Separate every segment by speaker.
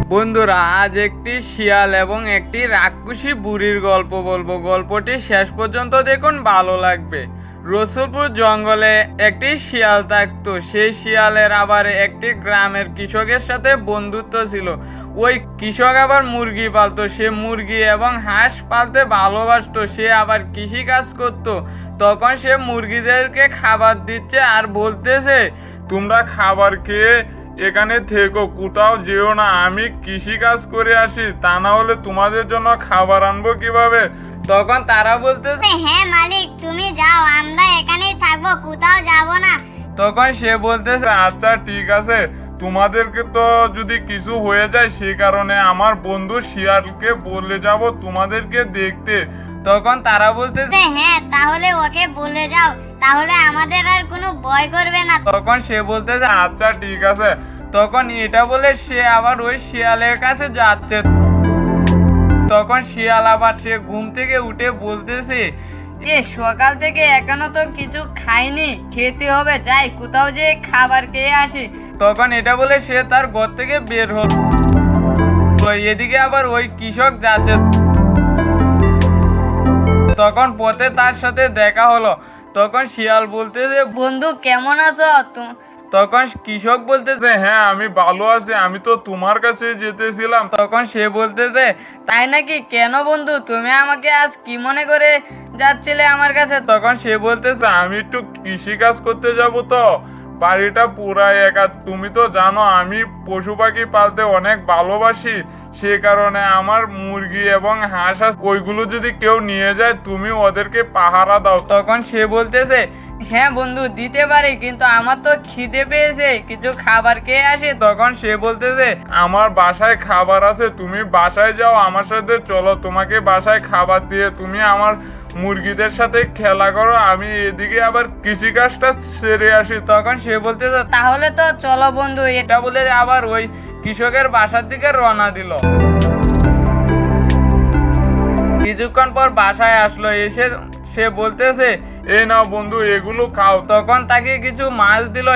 Speaker 1: বন্ধুরা, আজ একটি শিয়াল এবং একটি রাক্ষসী বুড়ির গল্প বলবো। গল্পটি শেষ পর্যন্ত দেখুন, ভালো লাগবে। রসুলপুর জঙ্গলে একটি শিয়াল থাকতো। সেই শিয়ালের আবার একটি গ্রামের কৃষকের সাথে বন্ধুত্ব ছিল। ওই কৃষক আবার মুরগি পালতো। সে মুরগি এবং হাঁস পালতে ভালোবাসতো। সে আবার কৃষি কাজ করতো। তখন সে মুরগিদেরকে খাবার দিচ্ছে আর বলতেছে,
Speaker 2: তোমরা খাবার খেয়ে এখানে থেকো, কোথাও যেও না। আমি কৃষি কাজ করে আসি, তা না হলে তোমাদের জন্য খাবার আনবো কিভাবে?
Speaker 1: তখন তারা বলতেছে,
Speaker 3: হ্যাঁ মালিক, তুমি যাও, আমরা এখানেই থাকবো, কোথাও যাব না।
Speaker 1: তখন সে বলতেছে,
Speaker 2: আচ্ছা ঠিক আছে, তোমাদেরকে তো যদি কিছু হয়ে যায় সেই কারণে আমার বন্ধু শিয়ালকে বলে যাব তোমাদেরকে দেখতে।
Speaker 1: তখন তারা বলতেছে,
Speaker 3: হ্যাঁ তাহলে ওকে বলে যাও, তাহলে আমাদের আর কোনো ভয় করবে না।
Speaker 1: তখন সে বলতেছে,
Speaker 2: আচ্ছা ঠিক আছে।
Speaker 1: তখন এটা বলে সে আবার ওই শিয়ালের কাছে যাচ্ছে। তখন শিয়াল আবার সে ঘুম থেকে উঠে বলতেছে, সকাল থেকে এখনো তো কিছু খাইনি, খেতে হবে, যাই কোথাও যে খাবার খেয়ে আসি। তখন এটা বলে সে তার ঘর থেকে বের হলো। এদিকে আবার ওই কৃষক যাচ্ছে। তখন পথে তার সাথে দেখা হলো। তখন শিয়াল বলতেছে, বন্ধু কেমন আছো? তখন কৃষক বলতেছে,
Speaker 2: হ্যাঁ আমি ভালো আছি, আমি তো তোমার কাছে যেতেছিলাম।
Speaker 1: তখন সে বলতেছে, তাই নাকি? কেন বন্ধু, তুমি আমাকে আজ কি মনে করে যাচ্ছিলে আমার কাছে? তখন সে বলতেছে,
Speaker 2: আমি একটু কৃষি কাজ করতে যাব, তো বাড়িটা পুরাই একা। তুমি তো জানো আমি পশু পাখি পালতে অনেক ভালোবাসি, সে কারণে আমার মুরগি এবং হাঁস ওইগুলো যদি কেউ নিয়ে যায় তুমি ওদেরকে পাহারা দাও।
Speaker 1: তখন সে বলতেছে, হ্যাঁ বন্ধু দিতে পারি, কিন্তু আমার তো খিদে পেয়েছে, কিছু খাবার খেয়ে আসে। তখন সে বলতেছে,
Speaker 2: আমার বাসায় খাবার আছে, তুমি বাসায় যাও, আমার সাথে চলো, তোমাকে বাসায় খাবার দিয়ে তুমি আমার মুরগিদের সাথে খেলা করো, আমি এদিকে আবার কৃষিকাজটা সেরে আসি।
Speaker 1: তখন সে বলতেছে, তাহলে তো চলো বন্ধু। এটা বলে আবার ওই কৃষকের বাসার দিকে রওনা দিল। কিছুক্ষণ পর বাসায় আসলো। এসে সে বলতেছে,
Speaker 2: এই নাও বন্ধু, এগুলো খাও।
Speaker 1: তখন তাকে কিছু মাছ দিল।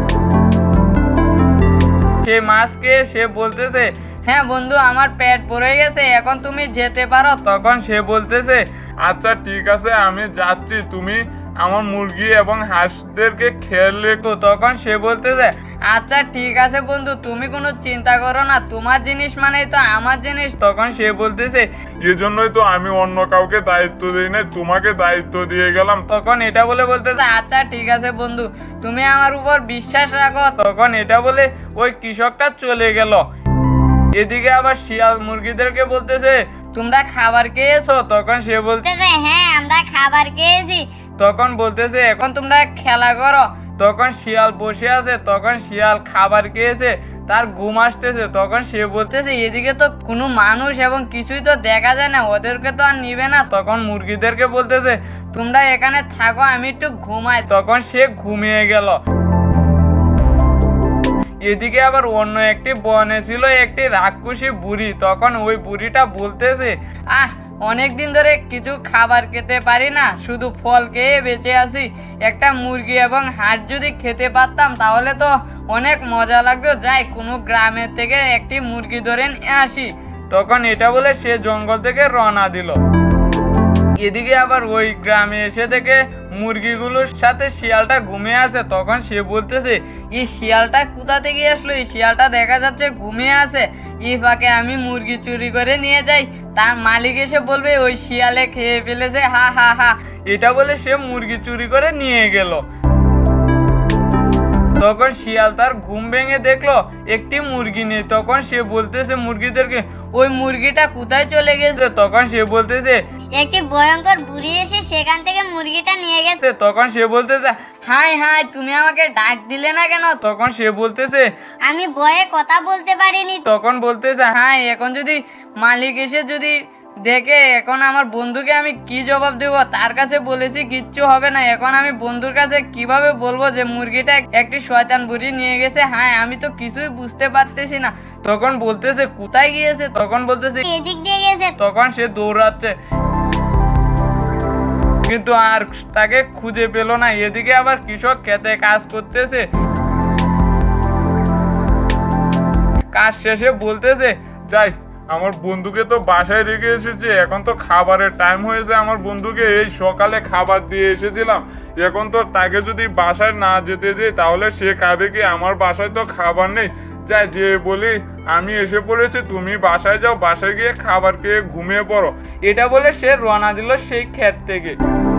Speaker 1: সে মাছ খেয়ে সে বলতেছে, হ্যাঁ বন্ধু, আমার পেট ভরে গেছে, এখন তুমি যেতে পারো। তখন সে বলতেছে,
Speaker 2: আচ্ছা ঠিক আছে, আমি যাচ্ছি, তুমি আমার মুরগি এবং হাঁসদেরকে খেয়াল রেখো।
Speaker 1: তখন সে বলতেছে, আচ্ছা ঠিক আছে বন্ধু, তুমি কোনো চিন্তা করো না, তোমার জিনিস মানেই তো আমার জিনিস। তখন সে বলতেছে,
Speaker 2: এজন্যই তো আমি অন্য কাউকে দায়িত্ব দিই না, তোমাকে দায়িত্ব দিয়ে গেলাম।
Speaker 1: তখন এটা বলে বলতেছে, আচ্ছা ঠিক আছে বন্ধু, তুমি আমার উপর বিশ্বাস রাখো। তখন এটা বলে ওই কৃষকটা চলে গেল। এদিকে আবার শিয়াল মুরগিদেরকে বলতেছে, তোমরা খাবার খেয়েছো? তখন সে বলতেছে,
Speaker 3: হ্যাঁ আমরা খাবার খেয়েছি।
Speaker 1: তখন বলতেছে, এখন তোমরা খেলা করো। তখন শিয়াল বসে আছে। তখন শিয়াল খাবার খেয়েছে, তার ঘুম আসতেছে। তখন সে বলতেছে, এদিকে তো কোনো মানুষ এবং কিছুই তো দেখা যায় না, ওদেরকে তো আর নিবে না। তখন মুরগিদেরকে বলতেছে, তোমরা এখানে থাকো, আমি একটু ঘুমাই। তখন সে ঘুমিয়ে গেল। এদিকে আবার অন্য একটি বনে ছিল একটি রাক্ষসী বুড়ি। তখন ওই বুড়িটা বলতেছে, অনেকদিন ধরে কিছু খাবার খেতে পারি না, শুধু ফল খেয়ে বেঁচে আছি। একটা মুরগি এবং হাঁস যদি খেতে পারতাম তাহলে তো অনেক মজা লাগতো, যাই কোনো গ্রামের থেকে একটি মুরগি ধরে নিয়ে আসি। তখন এটা বলে সে জঙ্গল থেকে রওনা দিল। এদিকে আবার ওই গ্রামে এসে থেকে মুরগিগুলোর সাথে শিয়ালটা ঘুমিয়ে আছে। তখন সে বলতেছে, এই শিয়ালটা কোথা থেকে আসলো? এই শিয়ালটা দেখা যাচ্ছে ঘুমিয়ে আছে, এই ফাঁকে আমি মুরগি চুরি করে নিয়ে যাই, তার মালিক এসে বলবে ওই শিয়ালে খেয়ে ফেলেছে, হা হা হা। এটা বলে সে মুরগি চুরি করে নিয়ে গেল। তখন শিয়াল তার ঘুম ভেঙে দেখলো একটি মুরগি নেই। তখন সে বলতেছে মুরগিদেরকে, ওই মুরগিটা কোথায় চলে গেছে? তখন সে বলতেছে,
Speaker 3: একটি ভয়ঙ্কর বুড়ি এসে সেখান থেকে মুরগিটা নিয়ে গেছে।
Speaker 1: তখন সে বলতেছে, হাই হাই, তুমি আমাকে ডাক দিলে না কেন? তখন সে বলতেছে,
Speaker 3: আমি ভয়ে কথা বলতে পারিনি।
Speaker 1: তখন বলতেছে, হ্যাঁ এখন যদি মালিক এসে যদি দেখে, এখন আমার বন্ধুকে আমি কি জবাব দেব? তার কাছে বলেছি কিচ্ছু হবে না, এখন আমি বন্ধুর কাছে কিভাবে বলবো যে মুরগিটা একটি শয়তান বুড়ি নিয়ে গেছে? হ্যাঁ আমি তো কিছুই বুঝতে পারতেছি না। তখন বলতেছে, কোথায় গিয়েছে? তখন বলতেছে,
Speaker 3: এদিক দিয়ে গেছে।
Speaker 1: তখন সে দৌড়াচ্ছে, কিন্তু আর তাকে খুঁজে পেল না। এদিকে আবার কৃষক খেতে কাজ করতেছে।
Speaker 2: কাজ শেষে বলতেছে, যাই আমার বন্ধুকে তো বাসায় রেখে এসেছি, এখন তো খাবারের টাইম হয়েছে, আমার বন্ধুকে এই সকালে খাবার দিয়ে এসেছিলাম, এখন তো তাকে যদি বাসায় না যেতে দিই তাহলে সে খাবে কি, আমার বাসায় তো খাবার নেই। যাই যে বলি আমি এসে পড়েছি, তুমি বাসায় যাও, বাসায় গিয়ে খাবার খেয়ে ঘুমিয়ে পড়ো।
Speaker 1: এটা বলে সে রওনা দিল সেই ক্ষেত থেকে।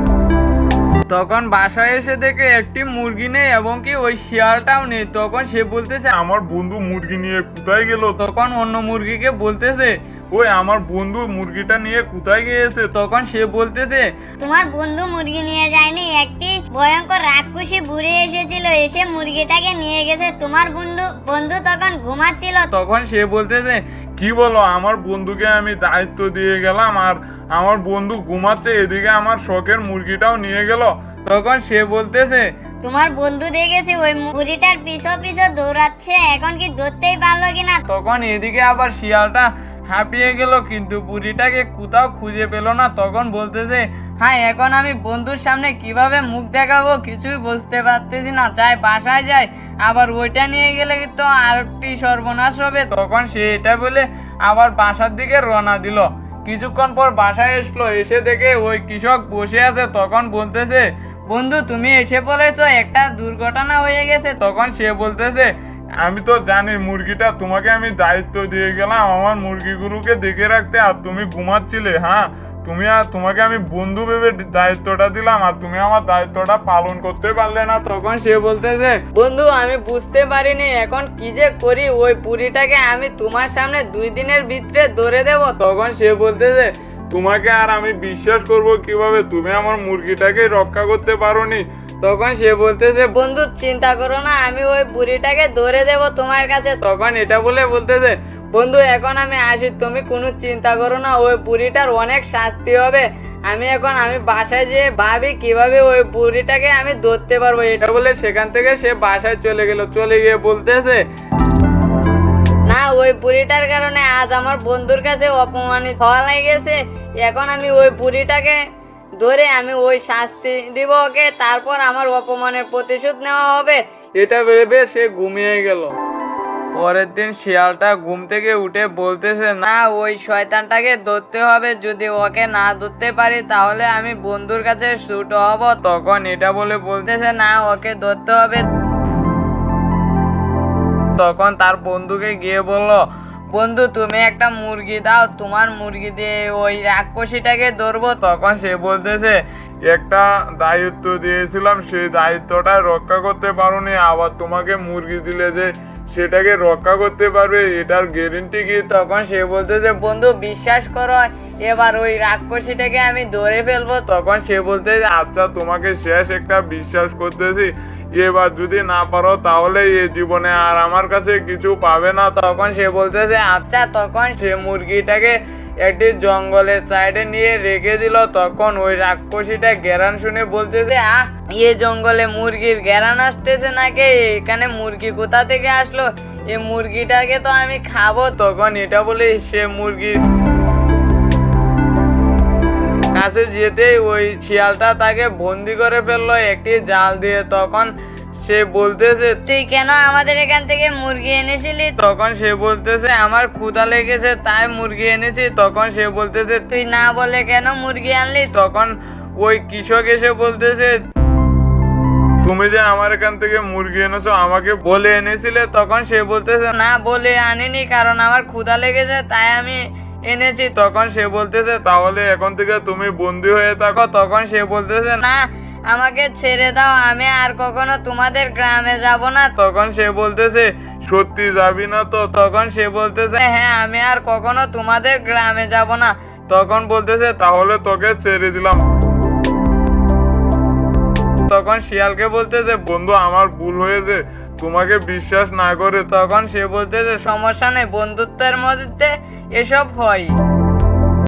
Speaker 1: তখন বাসায় এসে দেখে একটি মুরগি নেই এবং কি ওই শিয়ালটাও নেই। তখন সে বলতেছে,
Speaker 2: আমার বন্ধু মুরগি নিয়ে কোথায় গেল?
Speaker 1: তখন অন্য মুরগিকে বলতেছে,
Speaker 2: ওই আমার বন্ধু মুরগিটা নিয়ে কোথায় গিয়েছে?
Speaker 1: তখন সে বলতেছে,
Speaker 3: তোমার বন্ধু মুরগি নিয়ে যায়নি, একটি ভয়ঙ্কর রাক্ষসী বুড়ি এসেছিল, এসে মুরগিটাকে নিয়ে গেছে। তোমার বন্ধু তখন ঘুমাচ্ছিল।
Speaker 1: তখন সে বলতেছে,
Speaker 2: কি বলো, আমার বন্ধুকে আমি দায়িত্ব দিয়ে গেলাম আর আমার বন্ধু ঘুমাচ্ছে, এদিকে আমার শখের মুরগিটাও নিয়ে গেল।
Speaker 1: তখন সে বলতেছে,
Speaker 3: তোমার বন্ধু দেখেছে ওই বুড়িটার পিছু পিছু দৌড়াচ্ছে, এখন কি ধরতেই পারলো কিনা।
Speaker 1: তখন এদিকে আবার শিয়ালটা হাঁপিয়ে গেল, কিন্তু বুড়িটাকে কোথাও খুঁজে পেল না। তখন বলতেছে, হ্যাঁ এখন আমি বন্ধুর সামনে কিভাবে মুখ দেখাবো কিছুই বুঝতে পারতেছি না, যাই বাসায় যাই, আবার ওইটা নিয়ে গেলে তো আরেকটি সর্বনাশ হবে। তখন সে এটা বলে আবার বাসার দিকে রওনা দিল। কিছুক্ষণ পর বাসায় আসলো, এসে দেখে ওই কৃষক বসে আছে। তখন বলতেছে, বন্ধু তুমি এসে পড়েছো, একটা দুর্ঘটনা হয়ে গেছে। তখন সে বলতেছে,
Speaker 2: আমি তো জানি মুরগিটা তোমাকে আমি দায়িত্ব দিয়ে গেলাম আমার মুরগিগুলোকে দেখে রাখতে, আর তুমি ঘুমাচ্ছিলে। হ্যাঁ তোমাকে আমি বন্ধু ভেবে দায়িত্বটা দিলাম আর তুমি আমার দায়িত্বটা পালন করতে পারলে না।
Speaker 1: তখন সে বলতেছে, বন্ধু আমি বুঝতে পারিনি এখন কি যে করি, ওই পুরিটাকে আমি তোমার সামনে 2 দিনের ভিতরে ধরে দেব। তখন সে বলতেছে,
Speaker 2: তোমাকে আর আমি বিশ্বাস করব কিভাবে, তুমি আমার মুরগিটাকে রক্ষা করতে পারোনি।
Speaker 1: তখন সে বলতেছে, বন্ধু চিন্তা করো না, আমি ওই বুড়িটাকে ধরে দেব তোমার কাছে। তখন এটা বলে বলতেছে, বন্ধু এখন আমি আসি, তুমি কোনো চিন্তা করো না, ওই বুড়িটার অনেক শাস্তি হবে। আমি বাসায় যেয়ে ভাবি কিভাবে ওই বুড়িটাকে আমি ধরতে পারবো। এটা বলে সেখান থেকে সে বাসায় চলে গেল। চলে গিয়ে বলতেছে, না ওই বুড়িটার কারণে আজ আমার বন্ধুর কাছে অপমানিত হওয়া লেগেছে, এখন আমি ওই বুড়িটাকে ধরে আমি ওই শাস্তি দিব ওকে, তারপর আমার অপমানের প্রতিশোধ নেওয়া হবে। এটা ভেবে সে ঘুমিয়ে গেল। পরের দিন শিয়ালটা ঘুম থেকে উঠে বলতেছে, না ওই শয়তানটাকে ধরতে হবে, যদি ওকে না ধরতে পারি তাহলে আমি বন্ধুর কাছে ছুট হব। তখন এটা বলে বলতেছে, না ওকে ধরতে হবে। তখন তার বন্ধুকে গিয়ে বলল, বন্ধু তুমি একটা মুরগি দাও, তোমার মুরগি দিয়ে ওই রাক্ষসীটাকে ধরবো। তখন সে বলতেছে,
Speaker 2: একটা দায়িত্ব দিয়েছিলাম, সেই দায়িত্বটা রক্ষা করতে পারোনি, আবার তোমাকে মুরগি দিলে যে সেটাকে রক্ষা করতে পারবে এটার গ্যারেন্টি কি?
Speaker 1: তখন সে বলতেছে, বন্ধু বিশ্বাস করো এবার ওই রাক্ষসীটাকে আমি ধরে ফেলবো। তখন সে বলতেছে,
Speaker 2: আচ্ছা তোমাকে শেষ একটা বিশ্বাস করতেছি, এবার যদি না পারো তাহলে এই জীবনে আর আমার কাছে কিছু পাবে না।
Speaker 1: তখন সে বলতেছে, আচ্ছা। তখন সে মুরগিটাকে একটি জঙ্গলের সাইডে নিয়ে রেখে দিল। তখন ওই রাক্ষসীটা ঘেরান শুনে বলতেছে, এই জঙ্গলে মুরগির ঘেরান আসতেছে নাকি, এখানে মুরগি কোথা থেকে আসলো, এই মুরগিটাকে তো আমি খাবো। তখন এটা বলে সে মুরগির কাছে যেতেই ওই শিয়ালটা তাকে বন্দি করে ফেললো একটি জাল দিয়ে। তখন সে বলতেছে,
Speaker 3: তুই কেন আমাদের এখান থেকে মুরগি এনেছিলি?
Speaker 1: তখন সে বলতেছে, আমার ক্ষুধা লেগেছে তাই মুরগি এনেছি। তখন সে বলতেছে,
Speaker 3: তুই না বলে কেন মুরগি আনলি?
Speaker 1: তখন ওই কৃষক এসে বলতেছে,
Speaker 2: তুমি যে আমার এখান থেকে মুরগি এনেছো আমাকে বলে এনেছিলে?
Speaker 1: তখন সে বলতেছে, না বলে আনিনি, কারণ আমার ক্ষুধা লেগেছে তাই আমি এনেছি। তখন সে বলতেছে,
Speaker 2: তাহলে এখন থেকে তুমি বন্দি হয়ে থাকো।
Speaker 1: তখন সে বলতেছে, না আমাকে ছেড়ে দাও, আমি আর কখনো তোমাদের গ্রামে যাব না। তখন সে বলতেছে,
Speaker 2: সত্যি যাবি না তো?
Speaker 1: তখন সে বলতেছে, হ্যাঁ আমি আর কখনো তোমাদের গ্রামে যাব না। তখন বলতেছে,
Speaker 2: তাহলে তোকে ছেড়ে দিলাম।
Speaker 1: তখন শিয়ালকে বলতেছে,
Speaker 2: বন্ধু আমার ভুল হয়েছে, তোমাকে বিশ্বাস না করে।
Speaker 1: তখন সে বলতেছে, সমস্যা নেই, বন্ধুত্বের মধ্যে এসব হয়।